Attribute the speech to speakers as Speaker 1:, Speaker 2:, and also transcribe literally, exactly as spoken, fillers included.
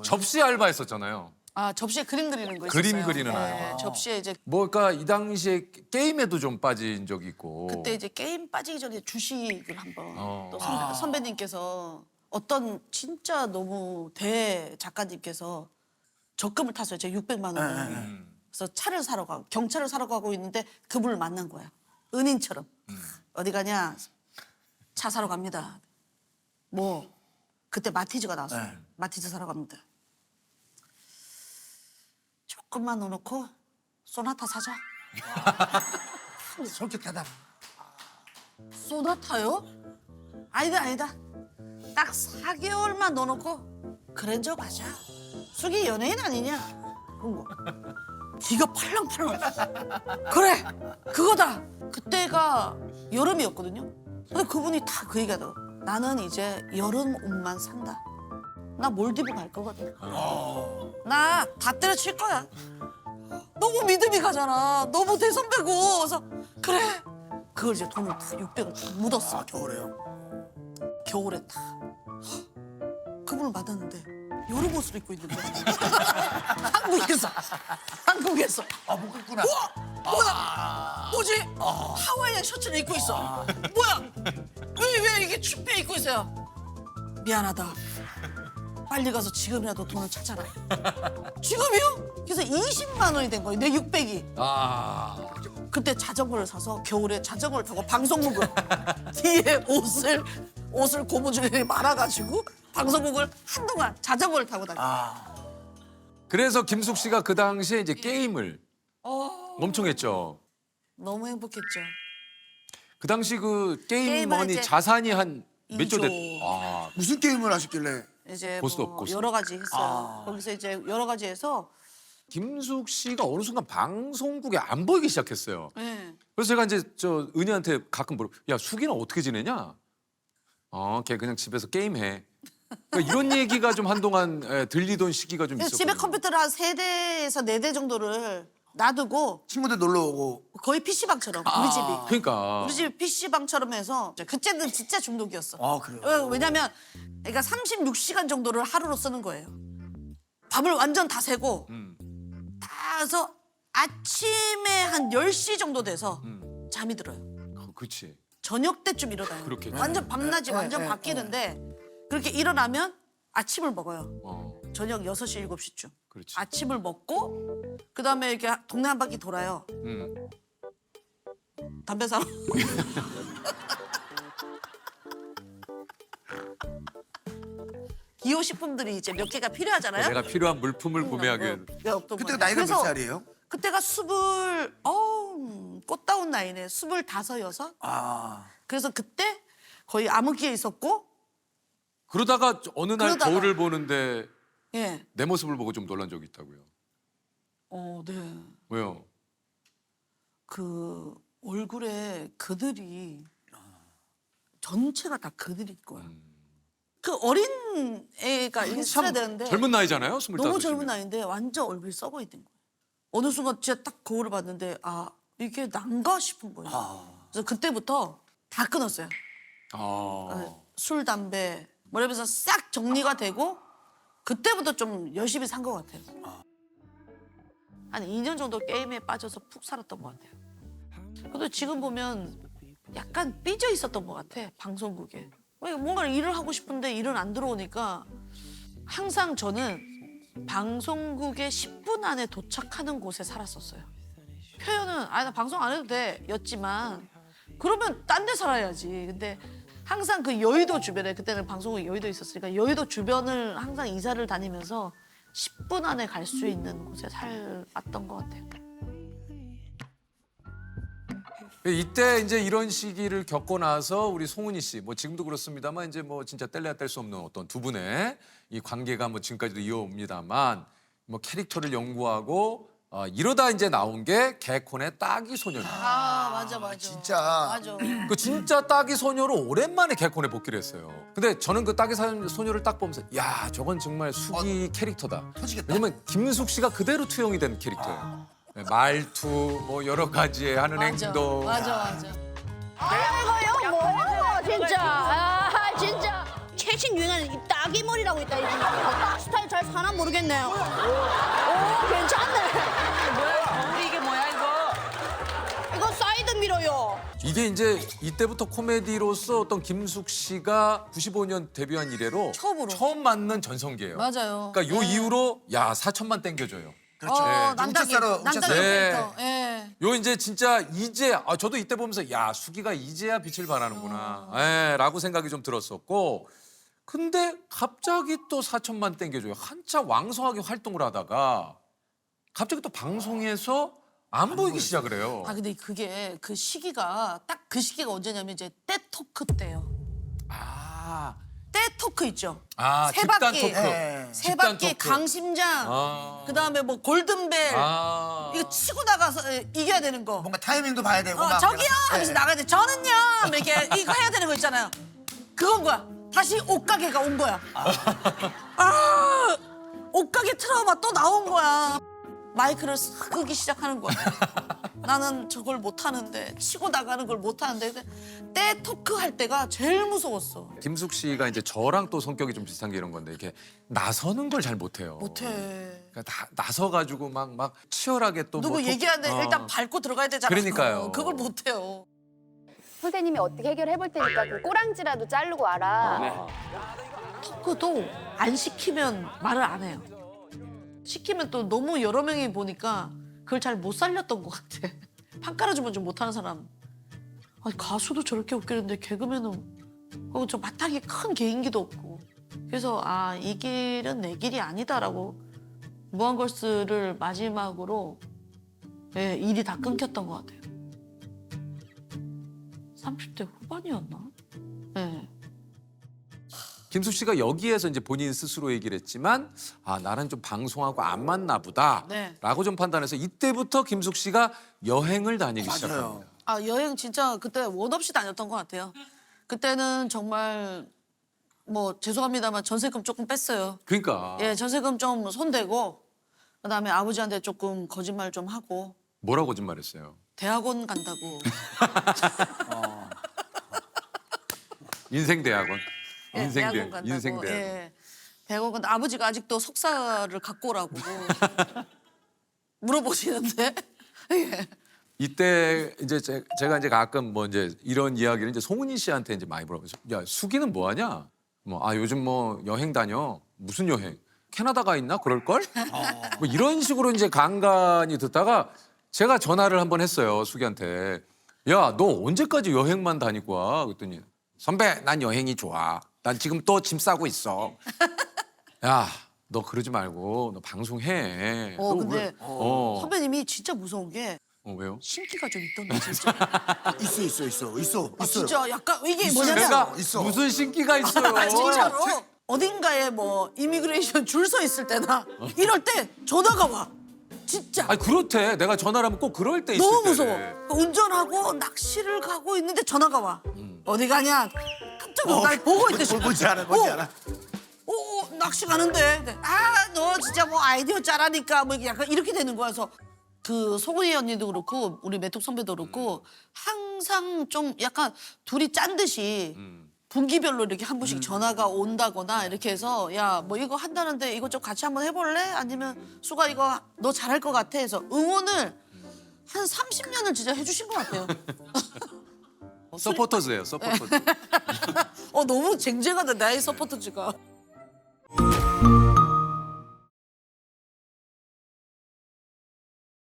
Speaker 1: 접시 알바했었잖아요.
Speaker 2: 아 접시에 그림 그리는 거 있었어요.
Speaker 1: 그림 그리는
Speaker 2: 네,
Speaker 1: 알바.
Speaker 2: 접시에 이제
Speaker 1: 뭐 그러니까 이 당시에 게임에도 좀 빠진 적이 있고.
Speaker 2: 그때 이제 게임 빠지기 전에 주식을 한번
Speaker 1: 어.
Speaker 2: 또 선배, 선배님께서 어떤 진짜 너무 대 작가님께서 적금을 탔어요. 제 육백만 원을.
Speaker 1: 음.
Speaker 2: 그래서 차를 사러 가고 경차를 사러 가고 있는데 그분을 만난 거야. 은인처럼.
Speaker 1: 음.
Speaker 2: 어디 가냐? 차 사러 갑니다. 뭐 그때 마티즈가 나왔어요.
Speaker 3: 네.
Speaker 2: 마티즈 사러 갑니다. 조금만 넣어놓고 소나타 사자.
Speaker 3: 솔깃하다.
Speaker 2: 소나타요? 아니다 아니다. 딱 사 개월만 넣어놓고 그랜저 가자. 숙이 연예인 아니냐? 그런 거. 기가 팔랑팔랑. 그래 그거다. 그때가 여름이었거든요. 근데 그분이 다 그 얘기하더라고. 나는 이제 여름 옷만 산다. 나 몰디브 갈 거거든. 나 다 때려칠 거야. 너무 믿음이 가잖아. 너무 대선배고. 그래서 그래. 그걸 이제 돈을 다 육백을 다 묻었어.
Speaker 3: 아, 겨울에요?
Speaker 2: 겨울에 다. 그분을 만났는데 여름 옷을 입고 있는 거야. 한국에서. 한국에서.
Speaker 3: 아, 못 긁구나.
Speaker 2: 뭐야? 뭐지? 하와이안 셔츠를 입고 있어. 뭐야? 왜, 왜 이게 춥게 입고 있어요? 미안하다. 빨리 가서 지금이라도 돈을 찾아라. 지금이요? 그래서 이십만 원이 된 거예요. 내 육백이.
Speaker 1: 아.
Speaker 2: 그때 자전거를 사서 겨울에 자전거를 타고 방송국을 뒤에 옷을 옷을 고무줄에 말아가지고 방송국을 한동안 자전거를 타고 다녔어요.
Speaker 3: 아,
Speaker 1: 그래서 김숙 씨가 그 당시에 이제 게임을
Speaker 2: 어,
Speaker 1: 엄청 했죠.
Speaker 2: 너무 행복했죠.
Speaker 1: 그 당시 그 게임
Speaker 2: 게임을
Speaker 1: 머니
Speaker 2: 이제
Speaker 1: 자산이 한 몇 조
Speaker 2: 이조.
Speaker 1: 됐. 아.
Speaker 3: 무슨 게임을 하셨길래?
Speaker 2: 이제
Speaker 1: 고스톱,
Speaker 2: 뭐
Speaker 1: 고스톱.
Speaker 2: 여러 가지 했어요.
Speaker 3: 아.
Speaker 2: 거기서 이제 여러 가지 해서
Speaker 1: 김숙 씨가 어느 순간 방송국에 안 보이기 시작했어요.
Speaker 2: 네.
Speaker 1: 그래서 제가 이제 저 은희한테 가끔 물어, 야 숙이는 어떻게 지내냐? 어, 걔 그냥 집에서 게임해. 그러니까 이런 얘기가 좀 한동안 예, 들리던 시기가 좀
Speaker 2: 그래서
Speaker 1: 있었거든요.
Speaker 2: 집에 컴퓨터를 한 세 대에서 네 대 정도를 놔두고
Speaker 3: 친구들 놀러 오고.
Speaker 2: 거의 피시방처럼 우리 집이.
Speaker 1: 그러니까
Speaker 2: 우리 집이 피시방처럼 해서 그때는 진짜 중독이었어.
Speaker 3: 아, 그래요?
Speaker 2: 왜- 왜냐면 그러니까 삼십육 시간 정도를 하루로 쓰는 거예요. 밥을 완전 다 새고
Speaker 1: 음,
Speaker 2: 다 해서 아침에 한 열 시 정도 돼서
Speaker 1: 음.
Speaker 2: 잠이 들어요.
Speaker 1: 어, 그렇지.
Speaker 2: 저녁 때쯤 일어나요.
Speaker 1: 그렇겠죠.
Speaker 2: 완전 밤낮이
Speaker 3: 네,
Speaker 2: 완전
Speaker 3: 네,
Speaker 2: 바뀌는데 그렇게 일어나면 아침을 먹어요.
Speaker 1: 어,
Speaker 2: 저녁 여섯 시, 일곱 시쯤.
Speaker 1: 그렇지.
Speaker 2: 아침을 먹고 그다음에 이렇게 동네 한 바퀴 돌아요.
Speaker 1: 음.
Speaker 2: 담배 사러. 기호식품들이 이제 몇 개가 필요하잖아요.
Speaker 1: 내가 필요한 물품을 구매하게.
Speaker 2: 어, 왜 없던
Speaker 3: 그때가
Speaker 2: 거예요.
Speaker 3: 나이가 몇
Speaker 2: 그래서
Speaker 3: 살이에요?
Speaker 2: 그때가 스물 어우 꽃다운 나이네. 스물 다섯 여섯.
Speaker 3: 아,
Speaker 2: 그래서 그때 거의 암흑기에 있었고
Speaker 1: 그러다가 어느 날
Speaker 2: 그러다가.
Speaker 1: 거울을 보는데
Speaker 2: 예.
Speaker 1: 내 모습을 보고 좀 놀란 적이 있다고요.
Speaker 2: 어, 네.
Speaker 1: 왜요?
Speaker 2: 그 얼굴에 그들이 전체가 다 그들일 거야.
Speaker 1: 음.
Speaker 2: 그 어린 애가 있어야 되는데
Speaker 1: 젊은 나이잖아요, 스물다섯.
Speaker 2: 너무 젊은 나이인데 완전 얼굴이 썩어 있는 거예요. 어느 순간 진짜 딱 거울을 봤는데 아 이게 난가 싶은 거예요.
Speaker 3: 아.
Speaker 2: 그래서 그때부터 다 끊었어요.
Speaker 1: 아.
Speaker 2: 술, 담배 뭐 이러면서 싹 정리가 되고 그때부터 좀 열심히 산 것 같아요. 한 이 년 정도 게임에 빠져서 푹 살았던 것 같아요. 근데 지금 보면 약간 삐져 있었던 것 같아, 방송국에. 왜 뭔가 일을 하고 싶은데 일은 안 들어오니까 항상 저는 방송국에 십 분 안에 도착하는 곳에 살았었어요. 표현은 아, 나 방송 안 해도 돼 였지만 그러면 딴 데 살아야지. 근데 항상 그 여의도 주변에 그때는 방송국이 여의도에 있었으니까 여의도 주변을 항상 이사를 다니면서 십 분 안에 갈 수 있는 곳에 살았던 것 같아요.
Speaker 1: 이때 이제 이런 시기를 겪고 나서 우리 송은이 씨, 뭐 지금도 그렇습니다만 이제 뭐 진짜 뗄래야 뗄 수 없는 어떤 두 분의 이 관계가 뭐 지금까지도 이어옵니다만 뭐 캐릭터를 연구하고 어, 이러다 이제 나온 게 개콘의 따기 소녀입니다.
Speaker 2: 아 맞아 맞아.
Speaker 3: 진짜.
Speaker 2: 맞아.
Speaker 1: 그 진짜 따기 소녀로 오랜만에 개콘에 복귀를 했어요. 근데 저는 그 따기 사- 소녀를 딱 보면서 야 저건 정말 숙이 캐릭터다.
Speaker 3: 터지겠다.
Speaker 1: 왜냐면 김숙 씨가 그대로 투영이 된 캐릭터예요. 네, 말투 뭐 여러 가지의 하는
Speaker 2: 맞아
Speaker 1: 행동.
Speaker 2: 맞아 맞아.
Speaker 4: 이거요 뭐 진짜 아 진짜 최 최신 유행하는 이 따기 머리라고 있다. 이 스타일 잘 사나 모르겠네요. 오, 괜찮네.
Speaker 5: 뭐야, 우리 이게 뭐야 이거?
Speaker 4: 이거 사이드 미러요.
Speaker 1: 이게 이제 이때부터 코미디로서 어떤 김숙 씨가 구십오 년 데뷔한 이래로
Speaker 2: 처음으로.
Speaker 1: 처음 맞는 전성기예요.
Speaker 2: 맞아요.
Speaker 1: 그러니까 요 이후로 야 사천만 땡겨줘요.
Speaker 3: 그렇죠.
Speaker 2: 어,
Speaker 3: 네.
Speaker 2: 남자기,
Speaker 3: 우차사로
Speaker 2: 남자기
Speaker 3: 우차사로.
Speaker 1: 네.
Speaker 2: 캐릭터. 예.
Speaker 1: 요 이제 진짜 이제 아 저도 이때 보면서 야 수기가 이제야 빛을 발하는구나. 예, 라고 생각이 좀 들었었고 근데 갑자기 또 사천만 땡겨줘요. 한참 왕성하게 활동을 하다가 갑자기 또 방송에서 안 보이기 시작을 해요.
Speaker 2: 아 근데 그게 그 시기가 딱 그 시기가 언제냐면 이제 때 토크 때요.
Speaker 1: 아,
Speaker 2: 때 토크 있죠.
Speaker 1: 아
Speaker 2: 세
Speaker 1: 집단
Speaker 2: 바퀴.
Speaker 1: 토크.
Speaker 3: 예.
Speaker 2: 세
Speaker 1: 집단
Speaker 2: 바퀴
Speaker 1: 토크.
Speaker 2: 강심장.
Speaker 1: 아.
Speaker 2: 그다음에 뭐 골든벨.
Speaker 1: 아.
Speaker 2: 이거 치고 나가서 에, 이겨야 되는 거.
Speaker 3: 뭔가 타이밍도 봐야 되고.
Speaker 2: 어,
Speaker 3: 막
Speaker 2: 저기요
Speaker 3: 내가-
Speaker 2: 하면서
Speaker 3: 예.
Speaker 2: 나가야 돼. 저는요 뭐 이렇게 이거 해야 되는 거 있잖아요. 그건 거야. 다시 옷가게가 온 거야. 아, 옷가게 트라우마 또 나온 거야. 마이크를 싹 끄기 시작하는 거야. 나는 저걸 못 하는데 치고 나가는 걸 못 하는데 때 토크 할 때가 제일 무서웠어.
Speaker 1: 김숙 씨가 이제 저랑 또 성격이 좀 비슷한 게 이런 건데 이렇게 나서는 걸 잘 못해요.
Speaker 2: 못해.
Speaker 1: 그러니까 다 나서 가지고 막 막 치열하게 또
Speaker 2: 누구
Speaker 1: 뭐 토-
Speaker 2: 얘기하는데
Speaker 1: 어.
Speaker 2: 일단 밟고 들어가야 되잖아.
Speaker 1: 그러니까요.
Speaker 2: 그걸 못해요.
Speaker 6: 선생님이 어떻게 해결해 볼 테니까 그 꼬랑지라도 자르고 와라.
Speaker 2: 토크도 안 시키면 말을 안 해요. 시키면 또 너무 여러 명이 보니까 그걸 잘 못 살렸던 것 같아. 판 깔아주면 좀 못하는 사람. 아니, 가수도 저렇게 웃기는데 개그맨은 어, 저 마땅히 큰 개인기도 없고. 그래서 아, 이 길은 내 길이 아니다라고 무한걸스를 마지막으로 예, 일이 다 끊겼던 것 같아요. 삼십 대 후반이었나? 예.
Speaker 1: 김숙 씨가 여기에서 이제 본인 스스로 얘기를 했지만 아 나는 좀 방송하고 안 맞나 보다라고
Speaker 2: 네.
Speaker 1: 좀 판단해서 이때부터 김숙 씨가 여행을 다니기
Speaker 3: 맞아요.
Speaker 1: 시작합니다.
Speaker 2: 아 여행 진짜 그때 원 없이 다녔던 것 같아요. 그때는 정말 뭐 죄송합니다만 전세금 조금 뺐어요.
Speaker 1: 그러니까
Speaker 2: 예, 전세금 좀 손대고 그다음에 아버지한테 조금 거짓말 좀 하고
Speaker 1: 뭐라고 거짓말했어요?
Speaker 2: 대학원 간다고.
Speaker 1: 인생 대학원.
Speaker 2: 예,
Speaker 1: 인생
Speaker 2: 대학원
Speaker 1: 대학.
Speaker 2: 간다고.
Speaker 1: 인생 대학원.
Speaker 2: 예, 대학원 간다. 아버지가 아직도 석사를 갖고 오라고 물어보시는데. 예.
Speaker 1: 이때 이제 제, 제가 이제 가끔 뭐 이제 이런 이야기를 이제 송은이 씨한테 이제 많이 물어보죠. 야 수기는 뭐 하냐? 뭐 아 요즘 뭐 여행 다녀. 무슨 여행? 캐나다 가 있나? 그럴 걸? 뭐 이런 식으로 이제 간간히 듣다가 제가 전화를 한번 했어요 수기한테. 야 너 언제까지 여행만 다니고 와? 그랬더니 선배 난 여행이 좋아. 난 지금 또 짐 싸고 있어. 야 너 그러지 말고 너 방송해.
Speaker 2: 어
Speaker 1: 너
Speaker 2: 근데
Speaker 1: 왜- 어.
Speaker 2: 선배님이 진짜 무서운 게
Speaker 1: 어 왜요?
Speaker 2: 신기가 좀 있던데 진짜.
Speaker 3: 있어 있어 있어 있어
Speaker 2: 아,
Speaker 3: 있어요.
Speaker 2: 진짜 약간 이게
Speaker 3: 있어요.
Speaker 2: 뭐냐면
Speaker 1: 내가
Speaker 3: 있어.
Speaker 1: 무슨 신기가 있어요.
Speaker 2: 아, 진짜로 어딘가에 뭐 이미그레이션 줄 서 있을 때나 이럴 때 전화가 와. 진짜
Speaker 1: 아니 그렇대. 내가 전화를 하면 꼭 그럴 때 있을
Speaker 2: 너무
Speaker 1: 때.
Speaker 2: 무서워. 운전하고 낚시를 가고 있는데 전화가 와. 어디 가냐? 깜짝 놀라. 날 보고 있대.
Speaker 3: 뭐, 뭔지 알아 뭔지
Speaker 2: 어,
Speaker 3: 알아.
Speaker 2: 어, 어, 낚시 가는데. 아, 너 진짜 뭐 아이디어 짜라니까 뭐 약간 이렇게 되는 거야. 그래서 그 소은이 언니도 그렇고 우리 메톡 선배도 그렇고 항상 좀 약간 둘이 짠 듯이 분기별로 이렇게 한 번씩 전화가 온다거나 이렇게 해서 야 뭐 이거 한다는데 이거 좀 같이 한번 해볼래? 아니면 수가 이거 너 잘할 것 같아 해서 응원을 한 삼십 년을 진짜 해주신 것 같아요.
Speaker 1: 서포터즈예요. 서포터즈.
Speaker 2: 어 너무 쟁쟁하다 나의 서포터즈가.